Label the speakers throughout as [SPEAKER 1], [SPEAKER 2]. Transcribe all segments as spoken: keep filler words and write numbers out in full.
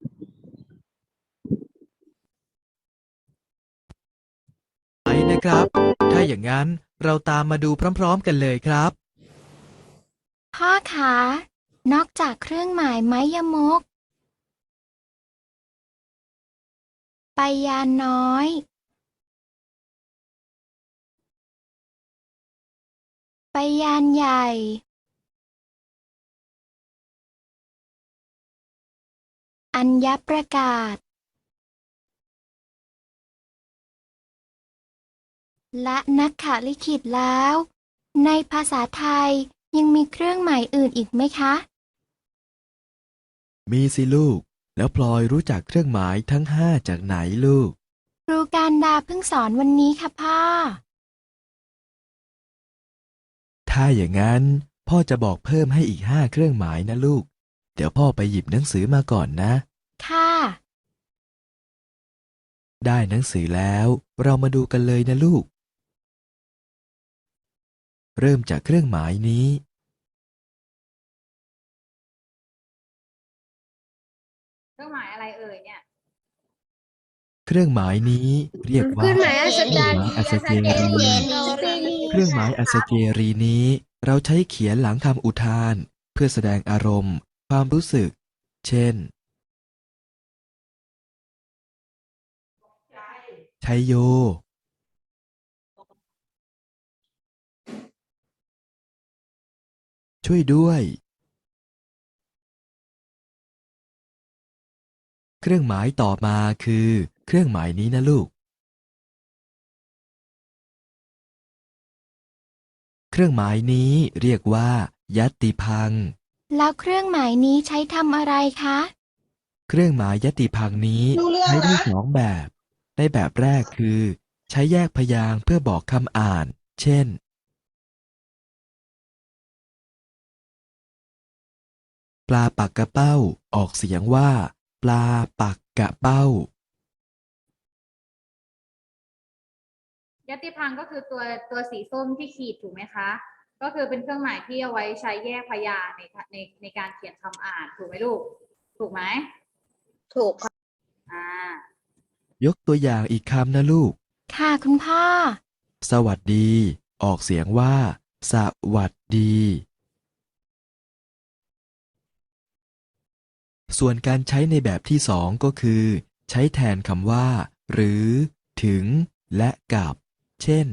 [SPEAKER 1] ไปนะครับถ้าอย่างนั้นเราตามมาดูพร้อมๆกันเลยครับ
[SPEAKER 2] พ่อคะนอกจากเครื่องหมายไม้ยมกไปยานน้อยไปยานใหญ่อัญญประกาศและนักขลิขิตแล้วในภาษาไทยยังมีเครื่องหมายอื่นอีกไหมคะ
[SPEAKER 1] มีสิลูกแล้วพลอยรู้จักเครื่องหมายทั้งห้าจากไหนลูก
[SPEAKER 2] ครูการดาเพิ่งสอนวันนี้ค่ะพ่อ
[SPEAKER 1] ถ้าอย่างนั้นพ่อจะบอกเพิ่มให้อีกห้าเครื่องหมายนะลูกเดี๋ยวพ่อไปหยิบหนังสือมาก่อนนะ
[SPEAKER 2] ค่ะ
[SPEAKER 1] ได้หนังสือแล้วเรามาดูกันเลยนะลูกเริ่มจากเครื่องหมายนี้
[SPEAKER 3] เครื่องหมายอะไรเอ่ยเนี่ย
[SPEAKER 1] เครื่องหมายนี้เรียกว่า
[SPEAKER 4] ขึ้นหมายอัศ
[SPEAKER 1] เครื่องห
[SPEAKER 4] จรรย์
[SPEAKER 1] มายอัศเจรี
[SPEAKER 4] รี
[SPEAKER 1] เครื่องหมายอัศเจรีนี้เราใช้เขียนหลังคำอุทานเพื่อแสดงอารมณ์ความรู้สึกเช่นชัยโยช่วยด้วยเครื่องหมายต่อมาคือเครื่องหมายนี้นะลูกเครื่องหมายนี้เรียกว่ายัตติพังค์
[SPEAKER 2] แล้วเครื่องหมายนี้ใช้ทำอะไรคะ
[SPEAKER 1] เครื่องหมายยัตติพังค์นี้
[SPEAKER 4] รู้เรื่อ
[SPEAKER 1] ใช้ได้
[SPEAKER 4] งนะ
[SPEAKER 1] สองแบบในแบบแรกคือใช้แยกพยางค์เพื่อบอกคำอ่านเช่นปลาปักกระเป้าออกเสียงว่าปลาปักกระเป้า
[SPEAKER 3] ยติพังค์ก็คือตัวตัวสีส้มที่ขีดถูกไหมคะก็คือเป็นเครื่องหมายที่เอาไว้ใช้แยกพยางค์ในในในการเขียนคำอ่านถูกไหมลูกถูกไหม
[SPEAKER 4] ถูกค่ะ
[SPEAKER 3] อ่า
[SPEAKER 1] ยกตัวอย่างอีกคำนะลูก
[SPEAKER 2] ค่ะคุณพ่อ
[SPEAKER 1] สวัสดี ออกเสียงว่า สวัสดี ส่วนการใช้ในแบบที่สองก็คือ ใช้แทนคำว่า หรือ ถึง และกับ เช่น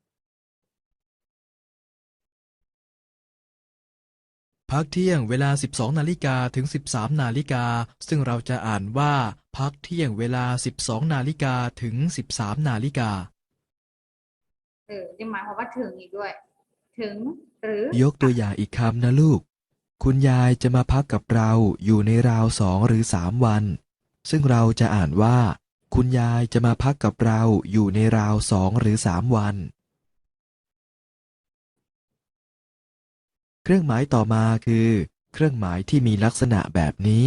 [SPEAKER 1] พักเที่ยงเวลา สิบสอง นาฬิกาถึง สิบสาม นาฬิกา ซึ่งเราจะอ่านว่า พักเที่ยงเวลา สิบสอง นาฬิกาถึง สิบสาม นาฬิกา
[SPEAKER 3] เออจะหมายความว่าถึงอีกด้วยถึงหรือย
[SPEAKER 1] กตัวอย่างอีกคำนะลูก คุณยายจะมาพักกับเราอยู่ในราวสองหรือสามวัน ซึ่งเราจะอ่านว่า คุณยายจะมาพักกับเราอยู่ในราวสองหรือสามวัน เครื่องหมายต่อมาคือ เครื่องหมายที่มีลักษณะแบบนี้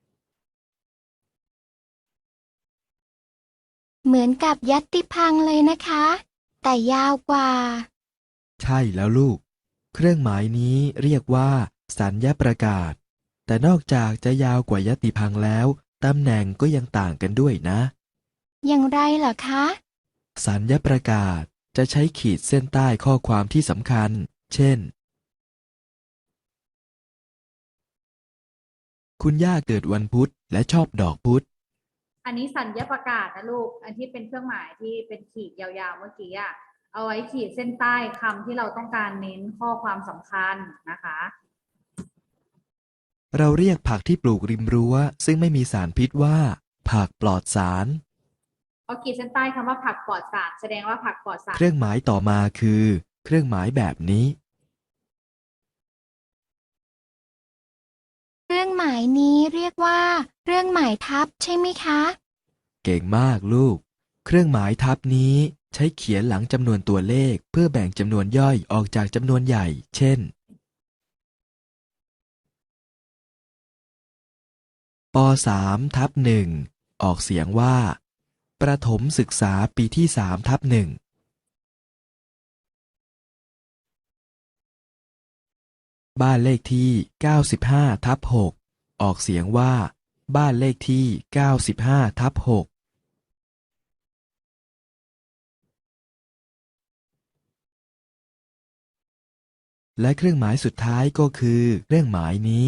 [SPEAKER 2] เหมือนกับยัตติพังค์เลยนะคะแต่ยาวกว่า
[SPEAKER 1] ใช่แล้วลูก เครื่องหมายนี้เรียกว่า สัญญประกาศ แต่นอกจากจะยาวกว่ายติพังค์แล้ว ตำแหน่งก็ยังต่างกันด้วยนะ
[SPEAKER 2] อย่างไรเหรอคะ
[SPEAKER 1] สัญญประกาศจะใช้ขีดเส้นใต้ข้อความที่สำคัญ เช่น คุณย่าเกิดวันพุธและชอบดอกพุธ
[SPEAKER 3] อันนี้สัญญาประกาศนะลูกอันที่เป็นเครื่องหมายที่เป็นขีดยาวๆเมื่อกี้อะเอาไว้ขีดเส้นใต้คำที่เราต้องการเน้นข้อความสำคัญนะคะ
[SPEAKER 1] เราเรียกผักที่ปลูกริมรั้วซึ่งไม่มีสารพิษว่า ผักปลอดสาร
[SPEAKER 3] เอาขีดเส้นใต้คำว่าผักปลอดสารแสดงว่าผักปลอดสาร
[SPEAKER 1] เครื่องหมายต่อมาคือ เครื่องหมายแบบนี้
[SPEAKER 2] เครื่องหมายนี้เรียกว่าเครื่องหมายทับใช่ไหมคะ
[SPEAKER 1] เก่งมากลูก เครื่องหมายทับนี้ใช้เขียนหลังจำนวนตัวเลขเพื่อแบ่งจำนวนย่อยออกจากจำนวนใหญ่ เช่น ป สาม ทับ หนึ่ง ออกเสียงว่า ประถมศึกษาปีที่ สาม ทับ หนึ่ง บ้านเลขที่ เก้าสิบห้า ทับ หก ออกเสียงว่าบ้านเลขที่เก้าสิบห้าทับหกและเครื่องหมายสุดท้ายก็คือเครื่องหมายนี้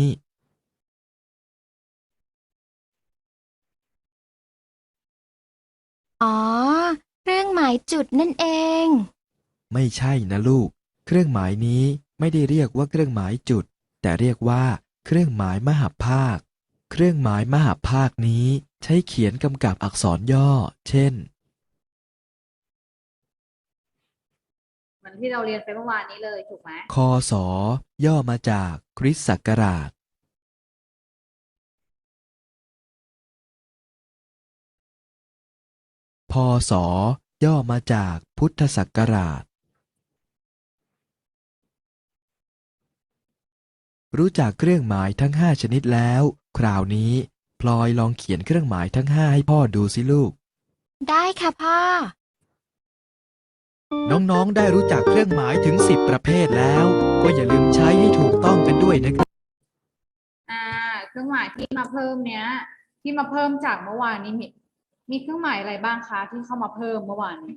[SPEAKER 2] อ๋อ เครื่องหมายจุดนั่นเอง
[SPEAKER 1] ไม่ใช่นะลูก เครื่องหมายนี้ไม่ได้เรียกว่าเครื่องหมายจุด แต่เรียกว่าเครื่องหมายมหภาค เครื่องหมายมหภาคนี้ใช้เขียนกำกับอักษรย่อ เช่น
[SPEAKER 3] เหมือนที่เราเรียนไปเมื่อวานนี้เลยถูกไหม
[SPEAKER 1] คศ ย่อมาจากคริสต์ศักราช พศ ย่อมาจากพุทธศักราช รู้จักเครื่องหมายทั้งห้าชนิดแล้ว คราวนี้พลอยลองเขียนเครื่องหมายทั้งห้าให้พ่อดูสิลูก
[SPEAKER 2] ได้ค่ะพ่อ
[SPEAKER 1] น้องๆ ได้รู้จักเครื่องหมายถึงสิบประเภทแล้ว ก็อย่าลืมใช้ให้ถูกต้องกันด้วยนะครับ
[SPEAKER 3] อ่า เครื่องหมายที่มาเพิ่มเนี้ย ที่มาเพิ่มจากเมื่อวานนี้มีมีเครื่องหมายอะไรบ้างคะที่เข้ามาเพิ่มเมื่อวานนี้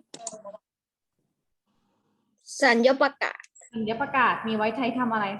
[SPEAKER 4] สัญญาประกาศ
[SPEAKER 3] สัญญาประกาศมีไว้ใช้ทำอะไรคะ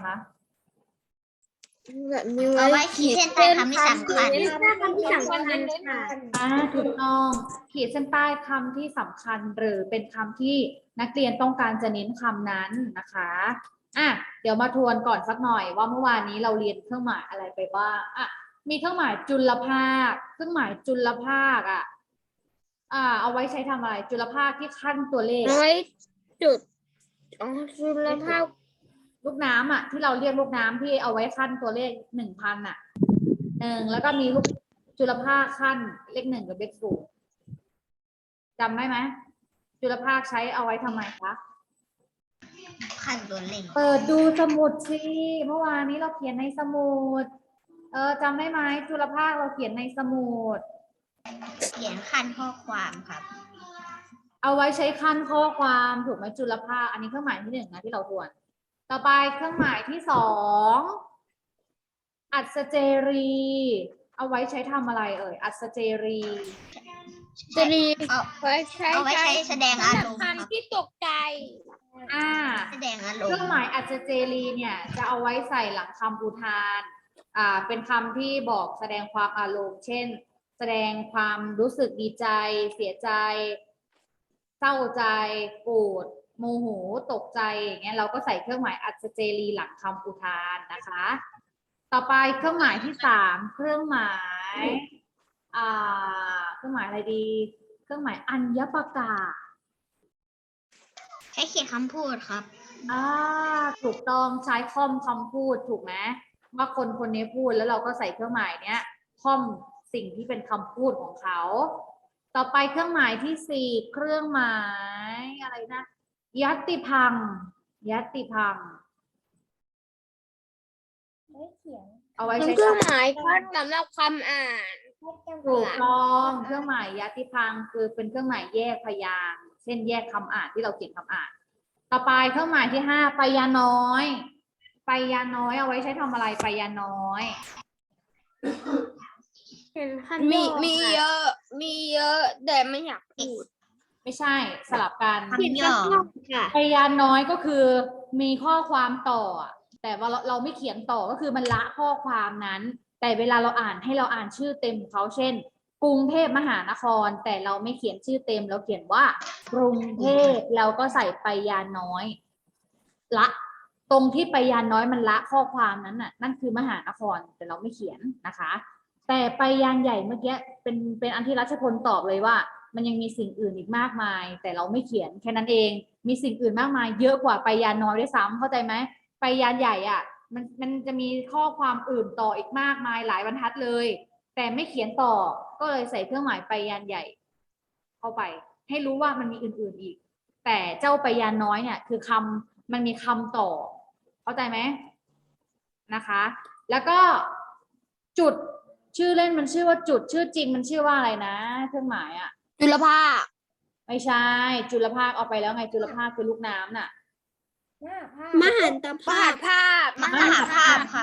[SPEAKER 4] มี
[SPEAKER 5] เอาไว้ขีดเส้นใต้คำที่สำคัญ
[SPEAKER 4] ขีดเส้นใต้คำที่สำคัญค่ะ
[SPEAKER 3] อ่าถูกต้องขีดเส้นใต้คำที่สำคัญหรือเป็นคำที่นักเรียนต้องการจะเน้นคำนั้นนะคะอ่ะเดี๋ยวมาทวนก่อนสักหน่อยว่าเมื่อวานนี้เราเรียนเครื่องหมายอะไรไปบ้างอ่ะมีเครื่องหมายจุลภาค เครื่องหมายจุลภาคอ่ะอ่าเอาไว้ใช้ทำอะไรจุลภาคที่ขั้นตัวเลข
[SPEAKER 4] น้อยจุดอ๋อจุลภาค
[SPEAKER 3] ลูกน้ำอ่ะที่เราเรียกลูกน้ำที่เอาไว้ขั้นตัวเลขหนึ่งพันอ่ะหนึ่งแล้วก็มีลูกจุลภาคขั้นเลขหนึ่งกับเลขศูนย์จำได้ไหมจุลภาคใช้เอาไว้ทำไมคะ
[SPEAKER 5] ขั้นตัวเลข
[SPEAKER 3] เปิดดูสมุดสิเมื่อวานนี้เราเขียนในสมุดเออจำได้ไหมจุลภาคเราเขียนในสมุด
[SPEAKER 5] เขียนขั้นข้อความครับ
[SPEAKER 3] เอาไว้ใช้ขั้นข้อความถูกไหมจุลภาคอันนี้เครื่องหมายที่หนึ่งนะที่เราทวนต่อไปเครื่องหมายที่สองอัศเจรี เอาไว้ใช้ทำอะไรเอ่ยอัศเจรี
[SPEAKER 4] จะดี
[SPEAKER 5] เอา
[SPEAKER 4] ไว้ใช้
[SPEAKER 5] เอาไว้ใช้แสดงอารมณ์ครับ
[SPEAKER 4] ที่ตกใจ
[SPEAKER 3] อ่า
[SPEAKER 5] แสดงอาร
[SPEAKER 3] เค
[SPEAKER 5] ม
[SPEAKER 3] รื่อง
[SPEAKER 5] ณ์
[SPEAKER 3] หมายอัศเจรีเนี่ยจะเอาไว้ใส่หลังคำอุทานอ่าเป็นคำที่บอกแสดงความอารมณ์ เช่น แสดงความรู้สึกดีใจ เสียใจ เศร้าใจ โกรธโมโหตกใจอย่างเงี้ยเราก็ใส่เครื่องหมายอัศเจรีหลังคำอุทานนะคะ ต่อไปเครื่องหมายที่สามเครื่องหมายอ่าเครื่องหมายอะไรดี เครื่องหมายอัญญประกาศ
[SPEAKER 5] ใช้เขียนคำพูดครับ
[SPEAKER 3] อ่าถูกต้องใช้ค่อมคำพูดถูกไหมว่าคนคนนี้พูดแล้วเราก็ใส่เครื่องหมายเนี้ยค่อมสิ่งที่เป็นคำพูดของเขา ต่อไปเครื่องหมายที่สี่เครื่องหมายอะไรนะยัตติพังค์ยัตติพังค์เอาไว้
[SPEAKER 4] เป็น
[SPEAKER 3] ใช้
[SPEAKER 4] เครื่องหมายขั้นสำหรับคำอ่าน
[SPEAKER 3] ถูกต้องเครื่องหมายยัตติพังค์คือเป็นเครื่องหมายแยกพยางค์เช่นแยกคำอ่านที่เราเขียนคำอ่าน ต่อไปเครื่องหมายที่ห้าไปยาน้อยไปยาน้อยเอาไว้ใช้ทำอะไรไปยาน้อย
[SPEAKER 4] มีมีเยอะ มีเยอะ แต่ไม่อยากพูด
[SPEAKER 3] ไม่ใช่สลับกัน
[SPEAKER 5] คำย่อ
[SPEAKER 4] ค่ะ
[SPEAKER 3] พยานน้อยก็คือมีข้อความต่ออะแต่ว่าเราเราไม่เขียนต่อก็คือมันละข้อความนั้น แต่เวลาเราอ่านให้เราอ่านชื่อเต็มเขาเช่น กรุงเทพมหานคร แต่เราไม่เขียนชื่อเต็มเราเขียนว่ากรุงเทพเราก็ใส่ไปยานน้อยละตรงที่ไปยานน้อยมันละข้อความนั้นน่ะนั่นคือมหานครแต่เราไม่เขียนนะคะ แต่ไปยานใหญ่เมื่อกี้เป็นเป็นอันที่รัชพลตอบเลยว่า มันยังมีสิ่งอื่นอีกมากมาย แต่เราไม่เขียนแค่นั้นเองมีสิ่งอื่นมากมาย เยอะกว่าไปยานน้อยด้วยซ้ำเข้าใจไหมไปยานใหญ่อ่ะมันมันจะมีข้อความอื่นต่ออีกมากมายหลายบรรทัดเลย แต่ไม่เขียนต่อก็เลยใส่เครื่องหมายไปยานใหญ่ เข้าไป ให้รู้ว่ามันมีอื่นๆอีก แต่เจ้าไปยานน้อยเนี่ยคือคำมันมีคำต่อ เข้าใจไหมนะคะ แล้วก็จุดชื่อเล่นมันชื่อว่าจุดชื่อจริงมันชื่อว่าอะไรนะ เครื่องหมายอ่ะ
[SPEAKER 4] จุลภาค
[SPEAKER 3] ไม่ใช่จุลภาคเอาไปแล้วไงจุลภาคคือลูกน้ำน่ะ
[SPEAKER 4] มหันตภาคภาพ
[SPEAKER 5] มหาภาพครับ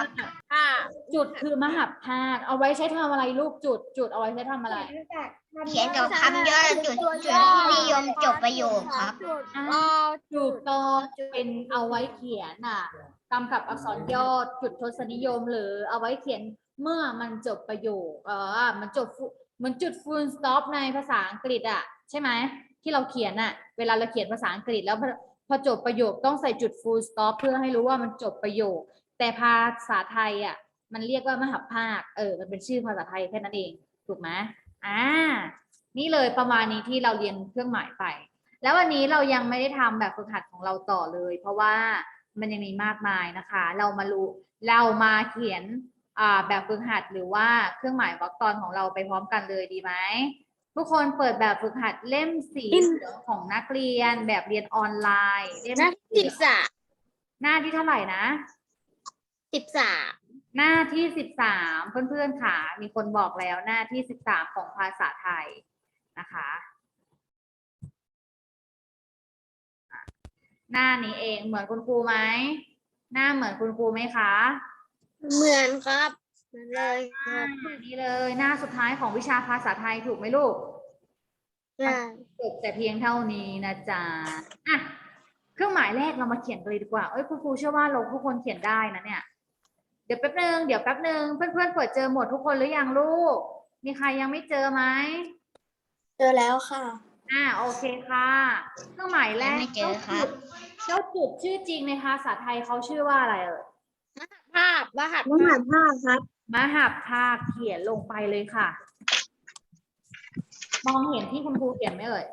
[SPEAKER 4] ค่ะ
[SPEAKER 3] จุดคือมหัพภาคเอาไว้ใช้ทำอะไรลูกจุด จุดเอาไว้ใช้ทำอะไร
[SPEAKER 5] เขียนกับคำย่อจุดจุดที่นิยมจบประโยคครับ
[SPEAKER 3] อ่ะ
[SPEAKER 4] รอ
[SPEAKER 3] ถูกต้องเป็นเอาไว้เขียนอ่ะกำกับอักษรย่อจุดทศนิยมหรือเอาไว้เขียนเมื่อมันจบประโยคเออมันจบฟุเหมันจุด full stop ในภาษาอังกฤษอ่ะใช่ไหมที่เราเขียนอ่ะเวลาเราเขียนภาษาอังกฤษแล้วพอพอจบประโยคต้องใส่จุด full stop เพื่อให้รู้ว่ามันจบประโยค แต่ภาษาไทยอ่ะมันเรียกว่ามหัพภาคเออมันเป็นชื่อภาษาไทยแค่นั้นเองถูกไหมอ่านี่เลยประมาณนี้ที่เราเรียนเครื่องหมายไป แล้ววันนี้เรายังไม่ได้ทำแบบฝึกหัดของเราต่อเลย เพราะว่ามันยังมีมากมายนะคะ เรามารู้เรามาเขียนอ่าแบบฝึกหัดหรือว่าเครื่องหมายวรรคตอนของเราไปพร้อมกันเลยดีไหมทุกคนเปิดแบบฝึกหัดเล่มสีเหลืองของนักเรียนแบบเรียนออนไลน์เล่ม
[SPEAKER 4] หน้า
[SPEAKER 3] สี
[SPEAKER 4] สิบ
[SPEAKER 3] เหลือง
[SPEAKER 4] สาม
[SPEAKER 3] หน้าที่เท่าไหร่นะ
[SPEAKER 4] สิบสาม
[SPEAKER 3] หน้าที่สิบสามเพื่อนๆค่ะมีคนบอกแล้วหน้าที่สิบสามของภาษาไทยนะคะ หน้านี้เองเหมือนคุณครูไหมหน้าเหมือนคุณครูไหมคะ
[SPEAKER 4] เหมือนครับเหมือนเลยครับ
[SPEAKER 3] อ่านี่เลยหน้าสุดท้ายของวิชาภาษาไทยถูกไหมลูก
[SPEAKER 4] ใช่
[SPEAKER 3] จบแต่เพียงเท่านี้นะจ๊ะอ่ะเครื่องหมายแรกเรามาเขียนกันเลยดีกว่าเอ้ยคุณครูเชื่อว่าเราทุกคนเขียนได้นะเนี่ยเดี๋ยวแป๊บนึงเดี๋ยวแป๊บนึงเพื่อนๆเปิดเจอหมดทุกคนหรือยังลูกมีใครยังไม่เจอไหม
[SPEAKER 4] เจอแล้วค่ะ
[SPEAKER 3] อ่าโอเคค่ะเครื่องหมายแรก
[SPEAKER 5] ยังไม่เจอครับ
[SPEAKER 3] เจ้าจุดชื่อจริงในภาษาไทยเขาชื่อว่าอะไรเอ่ย
[SPEAKER 4] ภาพรหัส
[SPEAKER 5] มหาภาคครับ
[SPEAKER 3] มหัพภาคเขียนลงไปเลยค่ะ มองเห็นที่คุณครูเขียนไหมเอ่ย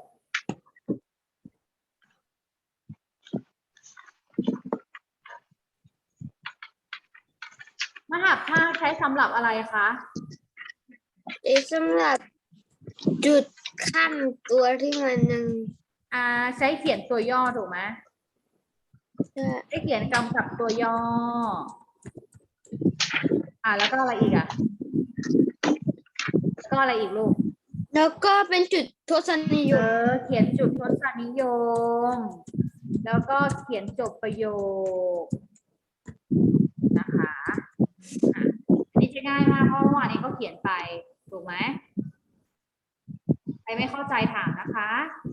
[SPEAKER 3] มหัพภาคใช้สำหรับอะไรคะ
[SPEAKER 4] เอสำหรับจุดขั้นตัวที่มันยัง
[SPEAKER 3] อ่าใช้เขียนตัวย่อถูกไหม
[SPEAKER 4] ใช่
[SPEAKER 3] ใช้เขียนกำกับตัวย่อ อ่าแล้วก็อะไรอีกอ่ะแล้วก็อะไรอีกลูก
[SPEAKER 4] แล้วก็เป็นจุดทศนิย
[SPEAKER 3] เอ
[SPEAKER 4] ม
[SPEAKER 3] อเขียนจุดทศนิยม แล้วก็เขียนจบประโยคนะคะอ่ะอันนี้จะง่ายมากเพราะเมื่อวานนี้ก็เขียนไปถูกไหมใครไม่เข้าใจถามนะคะ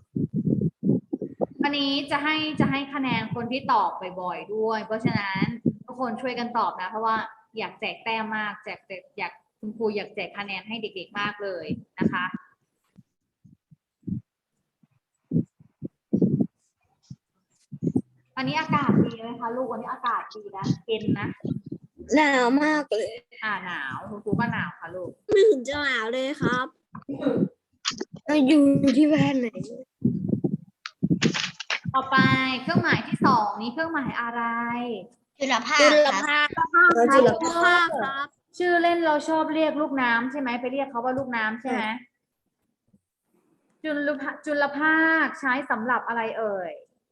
[SPEAKER 3] อันนี้จะให้จะให้คะแนนคนที่ตอบบ่อยๆด้วย เพราะฉะนั้นทุกคนช่วยกันตอบนะ เพราะว่าอยากแจกแต้มมากแจกแจกอยากคุณครูอยากแจกคะแนนให้เด็กๆมากเลยนะคะวันนี้อากาศดีไหมคะลูกวันนี้อากาศดีนะเย็นนะ
[SPEAKER 4] หนาวมากเลย
[SPEAKER 3] อ่าหนาวคุณครูก็หนาวค่ะลูก
[SPEAKER 4] ไม่เห็นจะหนาวเลยครับเราอยู่ที่บ้านไหน
[SPEAKER 3] ต่อไปเครื่องหมายที่สองนี้เครื่องหมายอะไร
[SPEAKER 5] จุลภาค
[SPEAKER 4] จุล
[SPEAKER 5] ครับ
[SPEAKER 4] ภาค
[SPEAKER 3] จุลภาค
[SPEAKER 4] ครับ
[SPEAKER 3] ชื่อเล่นเราชอบเรียกลูกน้ำใช่ไหมไปเรียกเขาว่าลูกน้ำใช่ไหมจุลภาจุลภาคใช้สำหรับอะไรเอ่ย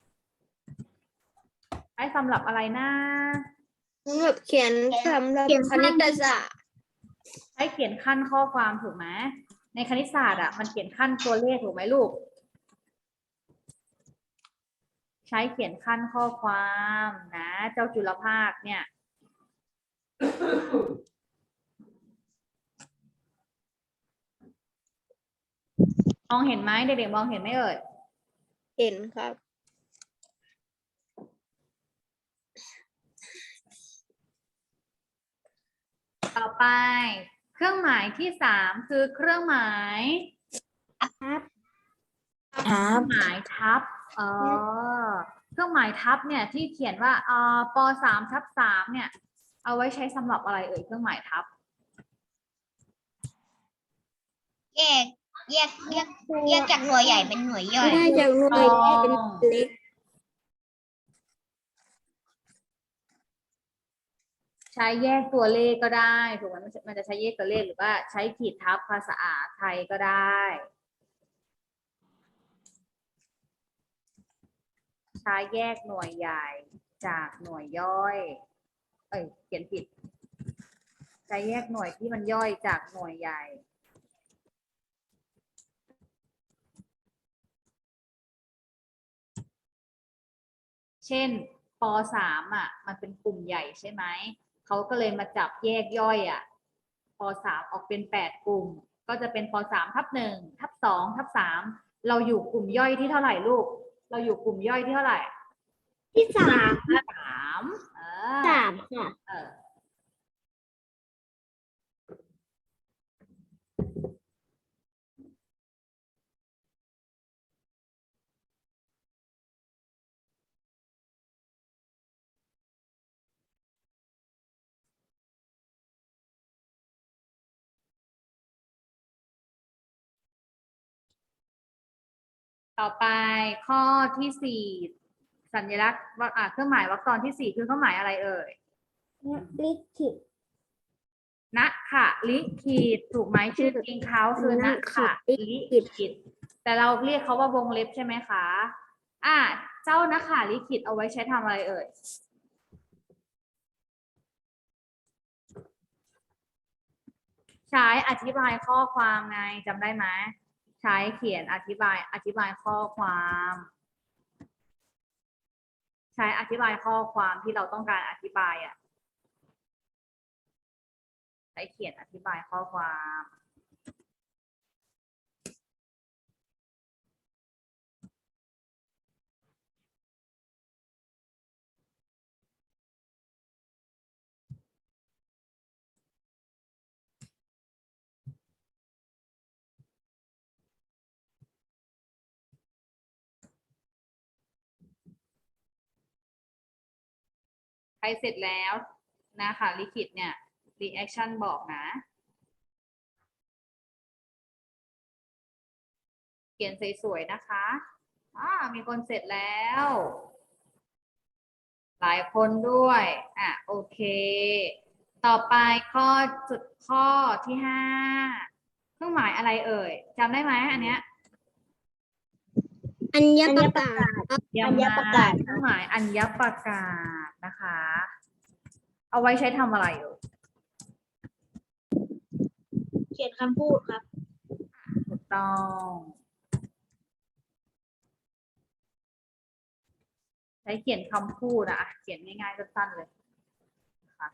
[SPEAKER 3] ใช้สำหรับอะไรนะ
[SPEAKER 4] สำหรับเขียนสำหรับคณิตศาสตร์
[SPEAKER 3] ใช้เขียนขั้นข้อความถูกไหมในคณิตศาสตร์อ่ะมันเขียนขั้นตัวเลขถูกไหมลูก ใช้เขียนขั้นข้อความนะ เจ้าจุลภาคเนี่ย มองเห็นไหมเด็กๆมองเห็นไหมเอ่ย
[SPEAKER 4] เห็นครับ
[SPEAKER 3] ต่อไป เครื่องหมายที่สามคือเครื่องหมาย
[SPEAKER 4] ครับ
[SPEAKER 3] เครื่องหมายทับเออเครื่องหมายทับเนี่ยที่เขียนว่าเอ่อปสามทับสามเนี่ย เอาไว้ใช้สำหรับอะไรเอ่ยเครื่องหมายทับ
[SPEAKER 5] แยกแยกแยกแยกจากหน่วยใหญ่เป็นหน่วยย่อย
[SPEAKER 4] ได้จากหน่วยเล็กเป็นเล็ก
[SPEAKER 3] ใช้แยกตัวเลขก็ได้ถูกไหมมันจะมันจะใช้แยกตัวเลขหรือว่าใช้ขีดทับภาษาไทยก็ได้ ใช้แยกหน่วยใหญ่จากหน่วยย่อย เอ้ยเขียนผิด ใช้แยกหน่วยที่มันย่อยจากหน่วยใหญ่ เช่นปสามอ่ะ มันเป็นกลุ่มใหญ่ใช่ไหมเขาก็เลยมาจับแยกย่อยอ่ะปสามออกเป็นแปดกลุ่ม ก็จะเป็นปสามทับหนึ่งทับสองทับสามเราอยู่กลุ่มย่อยที่เท่าไหร่ลูก เราอยู่กลุ่มย่อยที่เท่าไหร่
[SPEAKER 4] ที่สาม
[SPEAKER 3] สามเออ
[SPEAKER 4] สามค่ะ
[SPEAKER 3] เออต่อไปข้อที่สี่สัญลักษณ์วรรคอ่ะเครื่องหมายวรรคตอนที่สี่คือเครื่องหมายอะไรเอ่ย
[SPEAKER 4] ลิขิต
[SPEAKER 3] นะค่ะลิขิตถูกไหมชื่อจริงเขาคือนะค่ะลิขิตแต่เราเรียกเขาว่าวงเล็บใช่ไหมคะอ่ะเจ้านะค่ะลิขิตเอาไว้ใช้ทำอะไรเอ่ยใช้อธิบายข้อความไงจำได้ไหมใช้เขียนอธิบายอธิบายข้อความ ใช้อธิบายข้อความที่เราต้องการอธิบายอ่ะใช้เขียนอธิบายข้อความใครเสร็จแล้วนะคะลิขิตเนี่ย reaction บอกนะ เขียนสวยๆนะคะอ่ามีคนเสร็จแล้ว หลายคนด้วย อ่ะ โอเค ต่อไปข้อจุดข้อที่ห้าเครื่องหมายอะไรเอ่ยจำได้ไหมอันเนี้ย
[SPEAKER 4] อัญญประกาศ
[SPEAKER 3] เยี่ยมมากเครื่องหมายอัญญประกาศนะคะ เอาไว้ใช้ทำอะไรเอ่ย
[SPEAKER 4] เขียนคำพูดครับ
[SPEAKER 3] ถูกต้อง ใช้เขียนคำพูดอะเขียนง่ายๆสั้นๆเลยนะคะ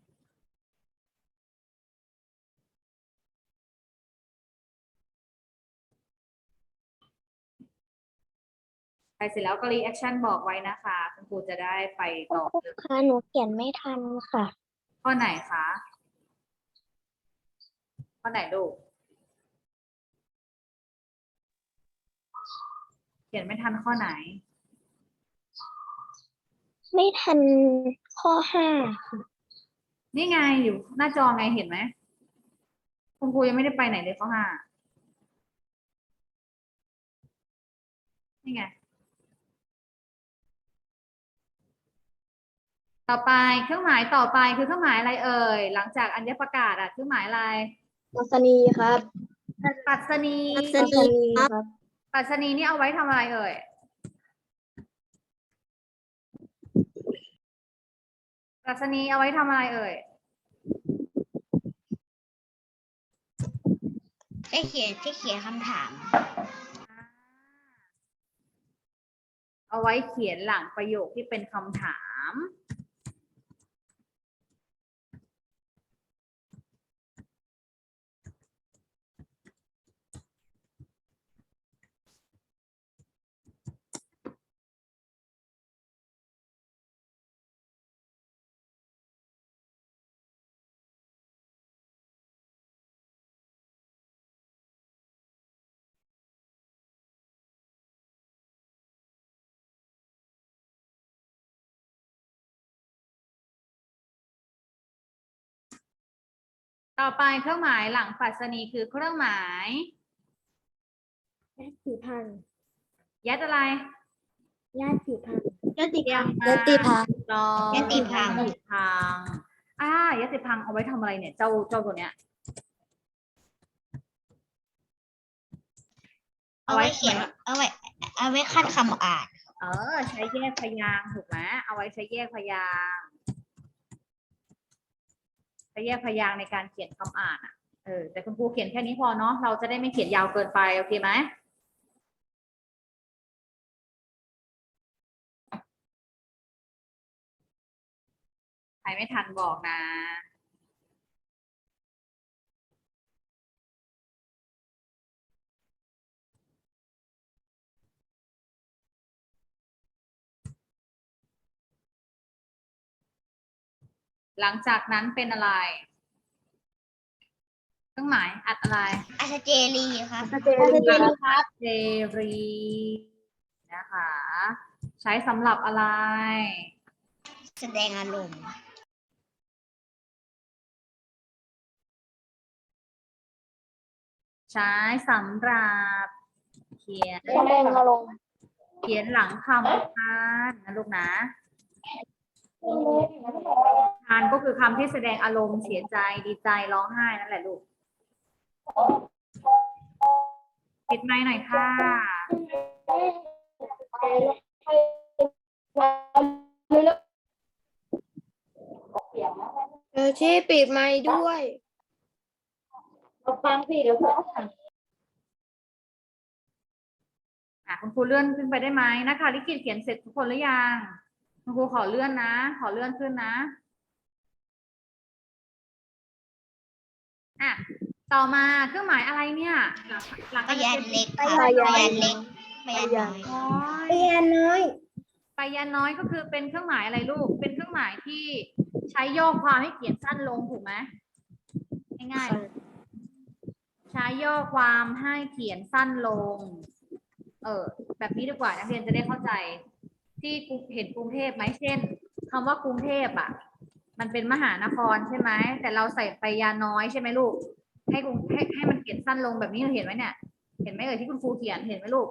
[SPEAKER 3] ใครเสร็จแล้วก็รีแอคชั่นบอกไว้นะคะคุณครูจะได้ไปต่อเลย
[SPEAKER 4] ค่ะหนูเขียนไม่ทันค่ะ
[SPEAKER 3] ข้อไหนคะ ข้อไหนลูก เขียนไม่ทันข้อไหน
[SPEAKER 4] ไม่ทันข้อห้า
[SPEAKER 3] นี่ไงอยู่หน้าจอไงเห็นไหมคุณครูยังไม่ได้ไปไหนเลยข้อห้านี่ไง ต่อไปเครื่องหมายต่อไปคือเครื่องหมายอะไรเอ่ย หลังจากอัญญประกาศอะเครื่องหมายอะไร
[SPEAKER 4] ปัสนีครับ
[SPEAKER 3] ปัสนี
[SPEAKER 4] ปัสนีครับ
[SPEAKER 3] ปัสนีนี่เอาไว้ทำอะไรเอ่ย ปัสนีเอาไว้ทำอะไรเอ่ย
[SPEAKER 5] ใช้เขียนใช้เขียนคำถาม
[SPEAKER 3] เอาไว้เขียนหลังประโยคที่เป็นคำถาม ต่อไปเครื่องหมายหลังปัสนีคือเครื่องหมาย
[SPEAKER 4] ญาติพันธุ์
[SPEAKER 3] ยัดอะไร
[SPEAKER 4] ญาติพันธุ์ญาติ
[SPEAKER 3] เตรียมมา
[SPEAKER 4] ญาติพันธุ์
[SPEAKER 3] ถูกต้อง
[SPEAKER 5] ยติพัง
[SPEAKER 3] ยติพังอ่ายติพังเอาไว้ทำอะไรเนี่ยเจ้าเจ้าตัวเนี้ย
[SPEAKER 5] เอาไว้เขียน เอาไว้ เอาไว้ขั้นคำอ่าน
[SPEAKER 3] เออ ใช้แยกพยางค์ถูกไหมเอาไว้ใช้แยกพยางค์ใช้แยกพยางค์ในการเขียนคำอ่านอ่ะเออแต่คุณครูเขียนแค่นี้พอเนาะเราจะได้ไม่เขียนยาวเกินไปโอเคไหมใครไม่ทันบอกนะ หลังจากนั้นเป็นอะไร เครื่องหมายอัดอะไร
[SPEAKER 5] อาจเจรีครับ
[SPEAKER 4] เจรีครับ
[SPEAKER 3] เจรีนะคะ ใช้สำหรับอะไร
[SPEAKER 5] แสดงอารมณ์
[SPEAKER 3] ใช้สำหรับเขียน
[SPEAKER 4] แสดงอารมณ์
[SPEAKER 3] เขียนหลังคำทานนะลูกนะทานก็คือคำที่แสดงอารมณ์เสียใจดีใจร้องไห้นั่นแหละลูกปิดไมค์หน่อยค่ะ
[SPEAKER 4] เออที่ปิดไมค์ด้วย
[SPEAKER 3] ฟังสิเดี๋ยวเพื่อนอ่ะคุณครูเลื่อนขึ้นไปได้ไหมนะคะลิขิตเขียนเสร็จทุกคนหรือยังคุณครูขอเลื่อนนะ ขอเลื่อนขึ้นนะอ่ะต่อมาเครื่องหมายอะไรเนี่ยหลังหลัง
[SPEAKER 5] พยานเล็กครับ
[SPEAKER 4] พ
[SPEAKER 5] พ
[SPEAKER 4] ยาน
[SPEAKER 5] ยานเล็กพยานน้อย
[SPEAKER 3] น้อย
[SPEAKER 4] เรียนน้อย
[SPEAKER 3] ไปยันน้อยก็คือเป็นเครื่องหมายอะไรลูก เป็นเครื่องหมายที่ใช้ย่อความให้เขียนสั้นลงถูกไหมง่ายๆใช้ย่อความให้เขียนสั้นลง เออ แบบนี้ดีกว่านักเรียนจะได้เข้าใจ ที่เห็นกรุงเทพไหมเช่นคำว่ากรุงเทพอ่ะ มันเป็นมหานครใช่ไหมแต่เราใส่ไปยาน้อยใช่ไหมลูก ให้กรุงให้ให้มันเขียนสั้นลงแบบนี้เราเห็นไหมเนี่ย เห็นไหมเอ่ยที่คุณครูเขียนเห็นไหมลูก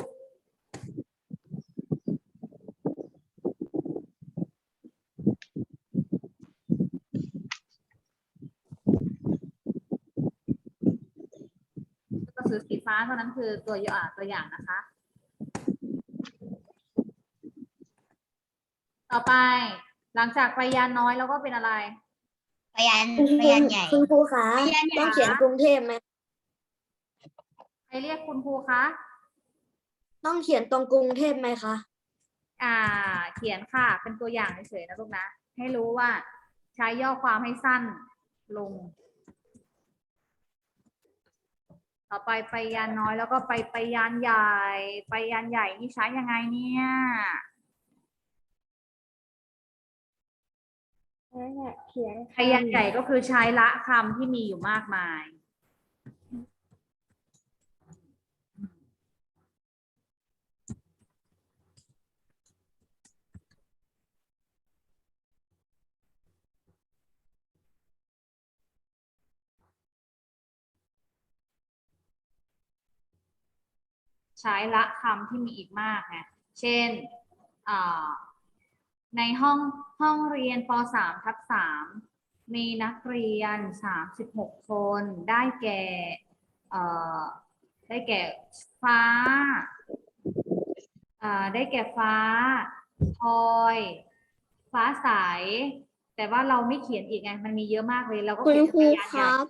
[SPEAKER 3] ตัวสือสีฟ้าเท่านั้นคือตัวอย่างตัวอย่างนะคะ ต่อไปหลังจากไปยานน้อยแล้วก็เป็นอะไร
[SPEAKER 5] พยานพยานใหญ่
[SPEAKER 4] คุณครูคะ
[SPEAKER 3] พยานใหญ่
[SPEAKER 4] ต้องเขียนกรุงเทพไหม
[SPEAKER 3] ใครเรียกคุณครูคะ
[SPEAKER 4] ต้องเขียนตรงกรุงเทพไหมคะ
[SPEAKER 3] อ่า เขียนค่ะ เป็นตัวอย่างเฉยๆนะลูกนะ ให้รู้ว่าใช้ย่อความให้สั้นลง ต่อไปไปยานน้อยแล้วก็ไปไปยานใหญ่ ไปยานใหญ่นี่ใช้ยังไงเนี่ย
[SPEAKER 4] เขียน
[SPEAKER 3] ไปยานใหญ่ก็คือใช้ละคำที่มีอยู่มากมาย ใช้ละคำที่มีอีกมากไงเช่นในห้องห้องเรียนป สาม ทับ สาม มีนักเรียน สามสิบหก คน ได้แก่ได้แก่ฟ้าได้แก่ฟ้าพลอย ฟ้าใส แต่ว่าเราไม่เขียนอีกไง มันมีเยอะมากเลย เราก็
[SPEAKER 4] คุณ
[SPEAKER 3] เขียน
[SPEAKER 4] ครู
[SPEAKER 3] เป็นยาน
[SPEAKER 4] ค
[SPEAKER 3] ใหญ่
[SPEAKER 4] รับ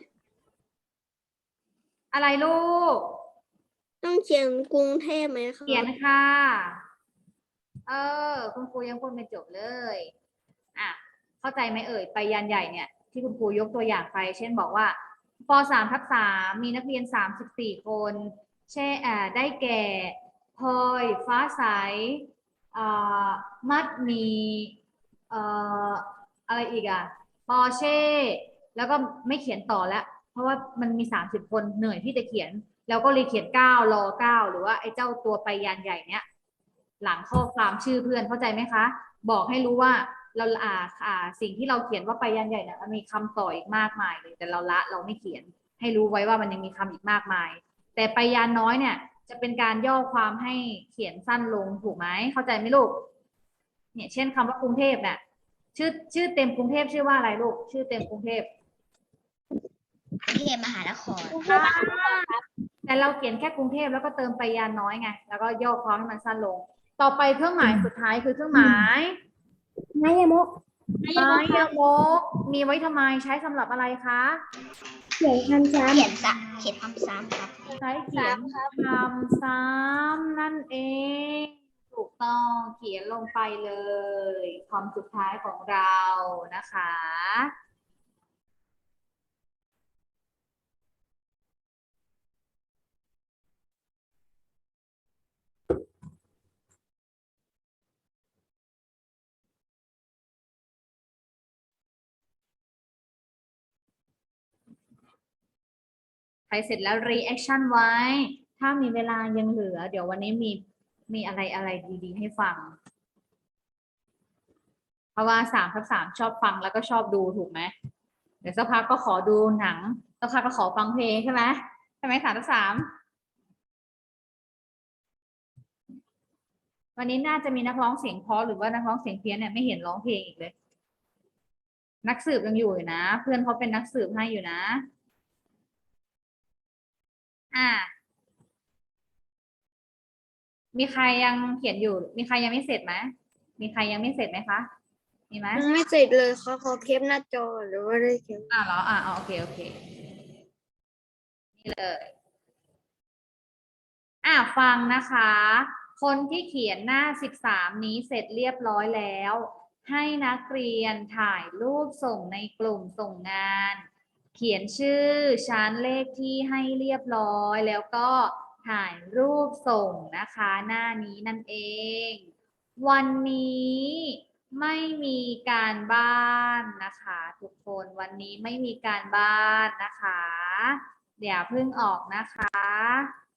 [SPEAKER 3] อะไรลูก
[SPEAKER 4] ต้องเขียนกรุงเทพไหมคะ
[SPEAKER 3] เขียนค่ะ เออ คุณครูยังพูดไม่จบเลย อ่ะ เข้าใจไหมเอ่ย ไปยานใหญ่เนี่ย ที่คุณครูยกตัวอย่างไป เช่นบอกว่าป สาม ทับ สาม มีนักเรียน สามสิบสี่ คน เช่อ่าได้แก่พลอย ฟ้าใสอ่ามัดหมีเอ่ออะไรอีกอ่ะปอเช่ แล้วก็ไม่เขียนต่อแล้ว เพราะว่ามันมี สามสิบ คนเหนื่อยที่จะเขียน แล้วก็เลยเขียนเก้ารอเก้าหรือว่าไอ้เจ้าตัวไปยานใหญ่เนี้ยหลังข้อความชื่อเพื่อนเข้าใจไหมคะ บอกให้รู้ว่าเราอ่าอ่าสิ่งที่เราเขียนว่าไปยานใหญ่เนี่ยมันมีคำต่ออีกมากมายเลยแต่เราละเราไม่เขียนให้รู้ไว้ว่ามันยังมีคำอีกมากมาย แต่ไปยานน้อยเนี่ยจะเป็นการย่อความให้เขียนสั้นลงถูกไหมเข้าใจไหมลูกเนี่ยเช่นคำว่ากรุงเทพเนี่ยชื่อชื่อเต็มกรุงเทพชื่อว่าอะไรลูกชื่อเต็มกรุงเทพ
[SPEAKER 5] กรุงเทพมหานคร
[SPEAKER 3] แต่เราเขียนแค่กรุงเทพแล้วก็เติมไปยานน้อยไงแล้วก็ย่อความให้มันสั้นลงต่อไปเครื่องหมายสุดท้ายคือเครื่องหมายไมยมกไมยมกมีไว้ทำไมใช้สำหรับอะไรคะเขียนคำซ้ำ
[SPEAKER 5] เขียนสะเขียนคำซ้ำครับ
[SPEAKER 3] ใช้เขียนคำซ้ำนั่นเองถูถูกต้องเขียนลงไปเลยคำสุดท้ายของเรานะคะ ใครเสร็จแล้ว reaction ไว้ ถ้ามีเวลายังเหลือ เดี๋ยววันนี้มีมีอะไรอะไรดีๆให้ฟัง เพราะว่าสามทับสามชอบฟังแล้วก็ชอบดูถูกไหม เดี๋ยวสักพักก็ขอดูหนังสักพักก็ขอฟังเพลงใช่ไหมใช่ไหมสามทับสามวันนี้น่าจะมีนักร้องเสียงเพราะหรือว่านักร้องเสียงเพี้ยนเนี่ยไม่เห็นร้องเพลงอีกเลย นักสืบยังอยู่อยู่นะ เพื่อนเขาเป็นนักสืบให้อยู่นะ อ่า มีใครยังเขียนอยู่ มีใครยังไม่เสร็จไหม มีใครยังไม่เสร็จไหมคะ มีไหม
[SPEAKER 4] ยังไม่เสร็จเลยเขาขอเคปหน้าจอหรือว่าได้เคป
[SPEAKER 3] อ่าเหรอ อ่าโอเค โอเค นี่เลย อ่าฟังนะคะ คนที่เขียนหน้าสิบสามนี้เสร็จเรียบร้อยแล้ว ให้นักเรียนถ่ายรูปส่งในกลุ่มส่งงาน เขียนชื่อชั้นเลขที่ให้เรียบร้อย แล้วก็ถ่ายรูปส่งนะคะ หน้านี้นั่นเอง วันนี้ไม่มีการบ้านนะคะ ทุกคนวันนี้ไม่มีการบ้านนะคะ เดี๋ยวเพิ่งออกนะคะ